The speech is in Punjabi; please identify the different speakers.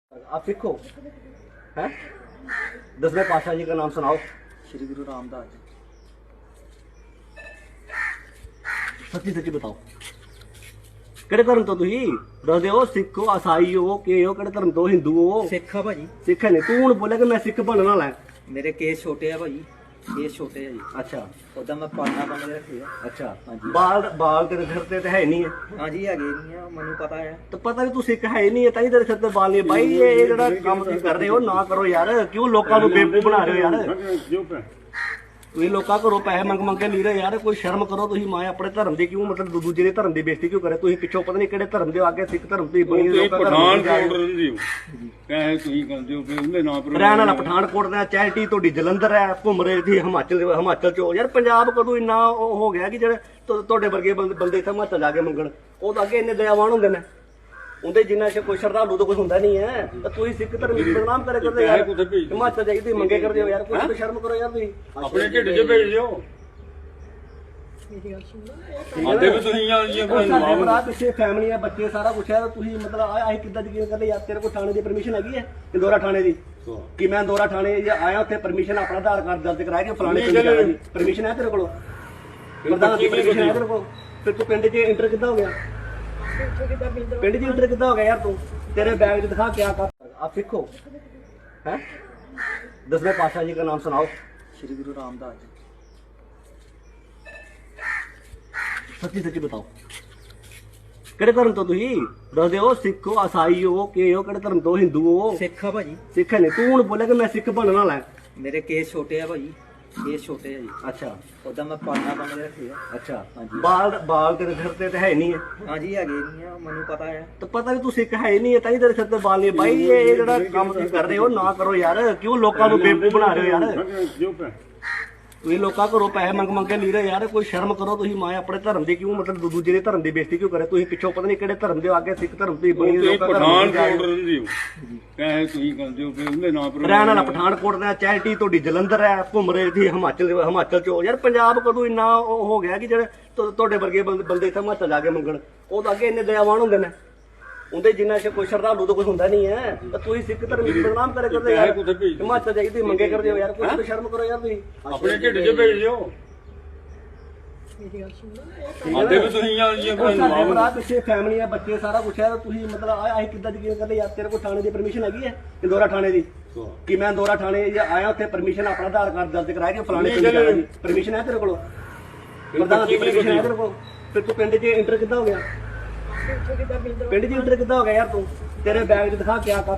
Speaker 1: आप सिख हो हैं? 10वें पातशाह जी का नाम सुनाओ।
Speaker 2: श्री गुरु रामदास जी।
Speaker 1: सच्ची सच्ची बताओ ਕਿਹੜੇ ਧਰਮ ਤੋਂ ਤੁਸੀਂ ਦੱਸ ਦਿਓ। ਸਿੱਖ ਹੋ, ਈਸਾਈ ਹੋ, ਕਿ ਹੋ, ਕਿਹੜੇ ਧਰਮ ਤੋਂ? ਹਿੰਦੂ ਹੋ?
Speaker 2: ਸਿੱਖ ਆ ਭਾਜੀ।
Speaker 1: ਸਿੱਖ ਨੇ ਤੂੰ ਹੁਣ ਬੋਲਿਆ ਕਿ ਮੈਂ ਸਿੱਖ ਬਣਨ ਵਾਲਾ ਹਾਂ।
Speaker 2: ਮੇਰੇ ਕੇਸ ਛੋਟੇ ਆ ਭਾਜੀ, ਕੇਸ ਛੋਟੇ ਆ ਜੀ।
Speaker 1: ਅੱਛਾ
Speaker 2: ਉਦਾਂ ਮੈਂ ਪਾਲਣਾ ਬਣ ਕੇ ਰੱਖੇ ਆ।
Speaker 1: ਅੱਛਾ
Speaker 2: ਹਾਂਜੀ।
Speaker 1: ਬਾਲ ਤੇਰੇ ਸਿਰ ਤੇ ਹੈ ਨਹੀਂ ਹੈ।
Speaker 2: ਹਾਂਜੀ ਹੈਗੇ ਨਹੀਂ ਆ, ਮੈਨੂੰ ਪਤਾ ਹੈ।
Speaker 1: ਤਾਂ ਪਤਾ ਨਹੀਂ ਤੂੰ ਸਿੱਖ ਹੈ ਨਹੀਂ ਹੈ ਤਾਂ ਹੀ ਤੇਰੇ ਸਿਰ ਤੇ ਬਾਲ ਨਹੀਂ। ਬਾਈ ਇਹ ਜਿਹੜਾ ਕੰਮ ਤੁਸੀਂ ਕਰ ਰਹੇ ਹੋ ਨਾ ਕਰੋ ਯਾਰ। ਕਿਉਂ ਲੋਕਾਂ ਨੂੰ ਬੇਵਕੂਫ ਬਣਾ ਰਹੇ ਹੋ ਯਾਰ? ਤੁਸੀਂ ਲੋਕਾਂ ਘਰੋਂ ਪੈਸੇ ਮੰਗ ਕੇ ਲੈ ਰਹੇ ਯਾਰ। ਕੋਈ ਸ਼ਰਮ ਕਰੋ ਤੁਸੀਂ। ਮਾਂ ਆਪਣੇ ਧਰਮ ਦੀ ਕਿਉਂ ਮਤਲਬ ਦੂਜੇ ਦੇ ਧਰਮ ਦੀ ਬੇਇੱਜ਼ਤੀ ਕਿਉਂ ਕਰੇ? ਤੁਸੀਂ ਪਿੱਛੋਂ ਪਤਾ ਨਹੀਂ ਕਿਹੜੇ ਧਰਮ ਦੇ ਆਗੇ ਸਿੱਖ ਧਰਮ ਦੀ ਬਣੀ
Speaker 3: ਪਠਾਨਕੋਟ ਰਹਿੰਦੇ ਹੋ ਪੈਸੇ ਤੁਸੀਂ ਕਰਦੇ ਹੋ ਉਹਦੇ ਨਾਂ ਪਰ
Speaker 1: ਰਹਿਣ ਵਾਲਾ ਪਠਾਨਕੋਟ ਦਾ। ਚੈਰਿਟੀ ਤੁਹਾਡੀ ਜਲੰਧਰ ਹੈ, ਘੁੰਮ ਰਹੇ ਸੀ ਹਿਮਾਚਲ ਚ। ਯਾਰ ਪੰਜਾਬ ਕਦੋਂ ਇੰਨਾ ਉਹ ਹੋ ਗਿਆ ਕਿ ਜਿਹੜੇ ਤੁਹਾਡੇ ਵਰਗੇ ਬੰਦੇ ਇੱਥੇ ਹਿਮਾਚਲ ਜਾ ਕੇ ਮੰਗਣ। ਉਹ ਤਾਂ ਅੱਗੇ ਇੰਨੇ ਦਇਆਵਾਨ ਹੁੰਦੇ ਨੇ। ਉਹਦੇ ਜਿੰਨਾ ਚ ਕੋਈ ਸ਼ਰਧਾਲੂ ਤਾਂ ਕੋਈ ਹੁੰਦਾ ਨਹੀਂ ਹੈ। ਤਾਂ ਤੁਸੀਂ ਸਿੱਖ ਧਰਮ ਦੀ ਬਦਨਾਮ ਕਰੇ ਕਰਦੇ ਯਾਰ। ਹਿਮਾਚਲ ਜਾਈ ਤੁਸੀਂ ਮੰਗੇ ਕਰਦੇ ਹੋ ਯਾਰ। ਕੁਝ ਤਾਂ ਸ਼ਰਮ ਕਰੋ ਯਾਰ ਤੁਸੀਂ।
Speaker 3: ਆਪਣੇ ਢਿੱਡ 'ਚ ਭੇਜ ਦਿਓ। ਆਦੇ ਵੀ ਤੁਸੀਂ ਆ ਜੀ
Speaker 1: ਸਾਡੇ ਭਰਾ ਪਿੱਛੇ ਫੈਮਿਲੀ ਆ, ਬੱਚੇ ਸਾਰਾ ਕੁਛ ਹੈ। ਤੁਸੀਂ ਮਤਲਬ ਆਹ ਕਿੱਦਾਂ ਯਕੀਨ ਕਰਦੇ ਯਾਰ? ਤੇਰੇ ਕੋਲ ਥਾਣੇ ਦੀ ਪਰਮਿਸ਼ਨ ਹੈਗੀ ਹੈ? ਇੰਦੋਰਾ ਥਾਣੇ ਦੀ? ਕਿ ਮੈਂ ਇੰਦੋਰਾ ਥਾਣੇ ਆਇਆ ਉੱਥੇ ਪਰਮਿਸ਼ਨ ਆਪਣਾ ਆਧਾਰ ਕਾਰਡ ਦਰਜ ਕਰਾਇਆ ਕਿ ਫਲਾਣੇ ਪਿੰਡ ਜਾਣਾ ਜੀ। ਪਰਮਿਸ਼ਨ ਹੈ ਤੇਰੇ ਕੋਲ? ਪ੍ਰਧਾਨ ਦੀ ਪਰਮਿਸ਼ਨ ਹੈ ਤੇਰੇ ਕੋਲ? ਫਿਰ ਤੂੰ ਪਿੰਡ 'ਚ ਇੰਟਰ ਕਿੱਦਾਂ ਹੋ ਗਿਆ? ਪਿੰਡ 'ਚ ਇੰਟਰ ਕਿੱਦਾਂ ਹੋ ਗਿਆ ਯਾਰ ਤੂੰ? ਤੇਰੇ ਬੈਗ 'ਚ ਦਿਖਾ ਕਿਆ ਕਰ। ਆਪ ਸਿੱਖ ਹੋ हैं? 10वें पातशाह जी का नाम सुनाओ।
Speaker 2: श्री गुरु रामदास जी।
Speaker 1: ਸੱਚੀ ਸੱਚੀ ਬਤਾਓ ਕਿਹੜੇ ਧਰਮ ਤੋਂ ਤੁਸੀਂ ਦੱਸ ਦਿਓ। ਸਿੱਖ ਹੋ, ਈਸਾਈ ਹੋ, ਕਿ ਹੋ, ਕਿਹੜੇ ਧਰਮ ਤੋਂ? ਹਿੰਦੂ ਹੋ?
Speaker 2: ਸਿੱਖ ਆ ਭਾਜੀ।
Speaker 1: ਸਿੱਖ ਨੇ ਤੂੰ ਹੁਣ ਬੋਲਿਆ ਕਿ ਮੈਂ ਸਿੱਖ ਬਣਨ ਵਾਲਾ ਹਾਂ।
Speaker 2: ਮੇਰੇ ਕੇਸ ਛੋਟੇ ਆ ਭਾਜੀ, ਕੇਸ ਛੋਟੇ ਆ ਜੀ।
Speaker 1: ਅੱਛਾ
Speaker 2: ਉਦਾਂ ਮੈਂ ਪਾਲਣਾ ਬਣ ਕੇ ਰੱਖੇ ਆ।
Speaker 1: ਅੱਛਾ
Speaker 2: ਹਾਂਜੀ।
Speaker 1: ਬਾਲ ਤੇਰੇ ਸਿਰ ਤੇ ਹੈ ਨਹੀਂ ਹੈ।
Speaker 2: ਹਾਂਜੀ ਹੈਗੇ ਨਹੀਂ ਆ, ਮੈਨੂੰ ਪਤਾ ਹੈ।
Speaker 1: ਤਾਂ ਪਤਾ ਨਹੀਂ ਤੂੰ ਸਿੱਖ ਹੈ ਨਹੀਂ ਹੈ ਤਾਂ ਹੀ ਤੇਰੇ ਸਿਰ ਤੇ ਬਾਲ ਨਹੀਂ। ਬਾਈ ਇਹ ਜਿਹੜਾ ਕੰਮ ਤੁਸੀਂ ਕਰ ਰਹੇ ਹੋ ਨਾ ਕਰੋ ਯਾਰ। ਕਿਉਂ ਲੋਕਾਂ ਨੂੰ ਬੇਵਕੂਫ ਬਣਾ ਰਹੇ ਹੋ ਯਾਰ? ਤੁਸੀਂ ਲੋਕਾਂ ਘਰੋਂ ਪੈਸੇ ਮੰਗ ਕੇ ਲੈ ਰਹੇ ਯਾਰ। ਕੋਈ ਸ਼ਰਮ ਕਰੋ ਤੁਸੀਂ। ਮਾਂ ਆਪਣੇ ਧਰਮ ਦੀ ਕਿਉਂ ਮਤਲਬ ਦੂਜੇ ਦੇ ਧਰਮ ਦੀ ਬੇਇੱਜ਼ਤੀ ਕਿਉਂ ਕਰੇ? ਤੁਸੀਂ ਪਿੱਛੋਂ ਪਤਾ ਨਹੀਂ ਕਿਹੜੇ ਧਰਮ ਦੇ ਆਗੇ ਸਿੱਖ ਧਰਮ ਦੀ ਬਣੀ
Speaker 3: ਪਠਾਨਕੋਟ ਰਹਿੰਦੇ ਹੋ ਪੈਸੇ ਤੁਸੀਂ ਕਰਦੇ ਹੋ ਉਹਦੇ ਨਾਂ ਪਰ
Speaker 1: ਰਹਿਣ ਵਾਲਾ ਪਠਾਨਕੋਟ ਦਾ। ਚੈਰਿਟੀ ਤੁਹਾਡੀ ਜਲੰਧਰ ਹੈ, ਘੁੰਮ ਰਹੇ ਸੀ ਹਿਮਾਚਲ ਚ। ਯਾਰ ਪੰਜਾਬ ਕਦੋਂ ਇੰਨਾ ਉਹ ਹੋ ਗਿਆ ਕਿ ਜਿਹੜੇ ਤੁਹਾਡੇ ਵਰਗੇ ਬੰਦੇ ਇੱਥੇ ਹਿਮਾਚਲ ਜਾ ਕੇ ਮੰਗਣ। ਉਹ ਤਾਂ ਅੱਗੇ ਇੰਨੇ ਦਇਆਵਾਨ ਹੁੰਦੇ ਨੇ। ਉਹਦੇ ਜਿੰਨਾ ਚ ਕੋਈ ਸ਼ਰਧਾਲੂ ਤਾਂ ਕੋਈ ਹੁੰਦਾ ਨਹੀਂ ਹੈ। ਤਾਂ ਤੁਸੀਂ ਸਿੱਖ ਧਰਮ ਦੀ ਬਦਨਾਮ ਕਰੇ ਕਰਦੇ ਯਾਰ। ਹਿਮਾਚਲ ਜਾਈ ਤੁਸੀਂ ਮੰਗੇ ਕਰਦੇ ਹੋ ਯਾਰ। ਕੁਝ ਤਾਂ ਸ਼ਰਮ ਕਰੋ ਯਾਰ ਤੁਸੀਂ।
Speaker 3: ਆਪਣੇ ਢਿੱਡ 'ਚ ਭੇਜ ਦਿਓ। ਆਦੇ ਵੀ ਤੁਸੀਂ ਆ ਜੀ
Speaker 1: ਸਾਡੇ ਭਰਾ ਪਿੱਛੇ ਫੈਮਿਲੀ ਆ, ਬੱਚੇ ਸਾਰਾ ਕੁਛ ਹੈ। ਤੁਸੀਂ ਮਤਲਬ ਆਹ ਕਿੱਦਾਂ ਯਕੀਨ ਕਰਦੇ ਯਾਰ? ਤੇਰੇ ਕੋਲ ਥਾਣੇ ਦੀ ਪਰਮਿਸ਼ਨ ਹੈਗੀ ਹੈ? ਇੰਦੋਰਾ ਥਾਣੇ ਦੀ? ਕਿ ਮੈਂ ਇੰਦੋਰਾ ਥਾਣੇ ਆਇਆ ਉੱਥੇ ਪਰਮਿਸ਼ਨ ਆਪਣਾ ਆਧਾਰ ਕਾਰਡ ਦਰਜ ਕਰਾਇਆ ਕਿ ਫਲਾਣੇ ਪਿੰਡ ਜਾਣਾ ਜੀ। ਪਰਮਿਸ਼ਨ ਹੈ ਤੇਰੇ ਕੋਲ? ਪ੍ਰਧਾਨ ਦੀ ਪਰਮਿਸ਼ਨ ਹੈ ਤੇਰੇ ਕੋਲ? ਫਿਰ ਤੂੰ ਪਿੰਡ 'ਚ ਇੰਟਰ ਕਿੱਦਾਂ ਹੋ ਗਿਆ? ਪਿੰਡ 'ਚ ਇੰਟਰ ਕਿੱਦਾਂ ਹੋ ਗਿਆ ਯਾਰ ਤੂੰ? ਤੇਰੇ ਬੈਗ 'ਚ ਦਿਖਾ ਕਿਆ ਕਰ।